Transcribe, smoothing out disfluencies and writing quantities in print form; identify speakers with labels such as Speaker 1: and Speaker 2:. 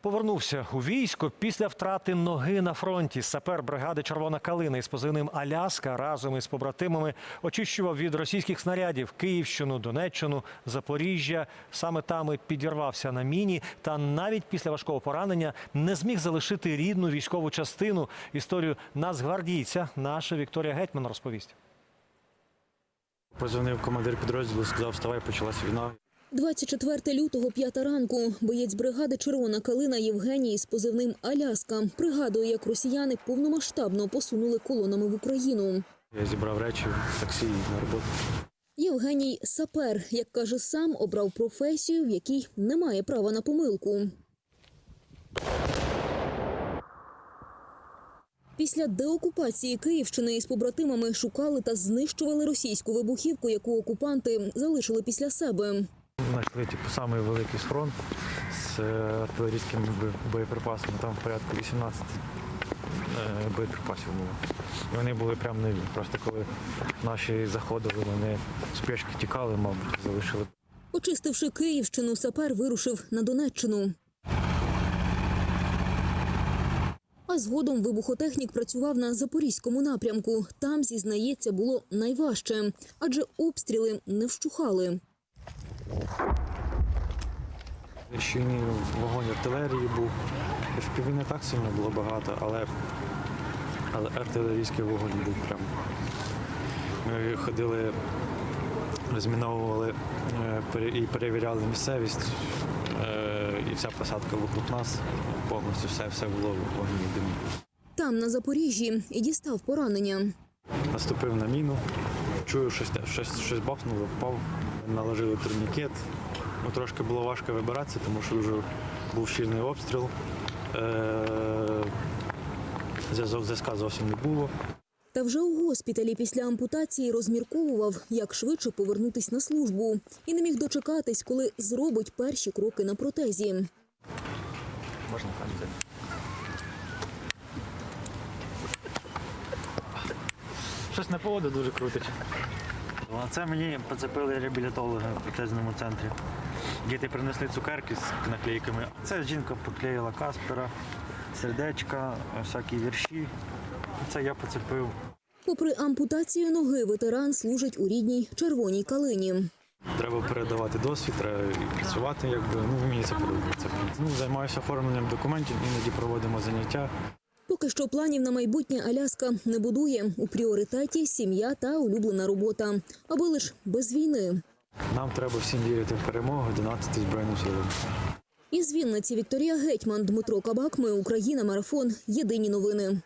Speaker 1: Повернувся у військо після втрати ноги на фронті. Сапер бригади «Червона калина» із позивним «Аляска» разом із побратимами очищував від російських снарядів Київщину, Донеччину, Запоріжжя. Саме там і підірвався на міні. Та навіть після важкого поранення не зміг залишити рідну військову частину. Історію нацгвардійця наша Вікторія Гетьман розповість.
Speaker 2: Позвонив командир підрозділу, сказав: «Вставай, почалась війна».
Speaker 3: 24 лютого, 5 ранку. Боєць бригади «Червона калина» Євгеній з позивним «Аляска» пригадує, як росіяни повномасштабно посунули колонами в Україну.
Speaker 2: Я зібрав речі, таксі на роботу.
Speaker 3: Євгеній – сапер. Як каже сам, обрав професію, в якій немає права на помилку. Після деокупації Київщини із побратимами шукали та знищували російську вибухівку, яку окупанти залишили після себе.
Speaker 2: Знайшли самий великий схрон з артилерійськими боєприпасами. Там порядку 18 боєприпасів було. І вони були прямо нові. Просто коли наші заходили, вони з пішки тікали, мабуть, залишили.
Speaker 3: Очистивши Київщину, сапер вирушив на Донеччину. А згодом вибухотехнік працював на Запорізькому напрямку. Там, зізнається, було найважче, адже обстріли не вщухали.
Speaker 2: Щільний вогонь артилерії був. FPV не так сильно було багато, але артилерійський вогонь був прямо. Ми ходили, розміновували і перевіряли місцевість. І вся посадка вокруг нас, повністю все було в вогні і димі.
Speaker 3: Там, на Запоріжжі, і дістав поранення.
Speaker 2: Наступив на міну, чую, щось бахнуло, впав, наложили турнікет. Трошки було важко вибиратися, тому що вже був щільний обстріл. Зв'язка зовсім не було.
Speaker 3: Та вже у госпіталі після ампутації розмірковував, як швидше повернутись на службу. І не міг дочекатись, коли зробить перші кроки на протезі.
Speaker 2: Можна ходити. Щось на поводу дуже крутить. Це мені поцепили реабілітологи в протезному центрі. Діти принесли цукерки з наклейками. Це жінка поклеїла Каспера, сердечка, всякі вірші. Це я поцепив.
Speaker 3: Попри ампутацію ноги, ветеран служить у рідній «Червоній калині».
Speaker 2: Треба передавати досвід, треба і працювати, мені це подобається. Займаюся оформленням документів, іноді проводимо заняття.
Speaker 3: Поки що планів на майбутнє Аляска не будує. У пріоритеті сім'я та улюблена робота. Аби лиш без війни.
Speaker 2: Нам треба всім вірити в перемогу, донатити Збройним силам.
Speaker 3: Із Вінниці Вікторія Гетьман, Дмитро Кабак. Ми Україна. Марафон. Єдині новини.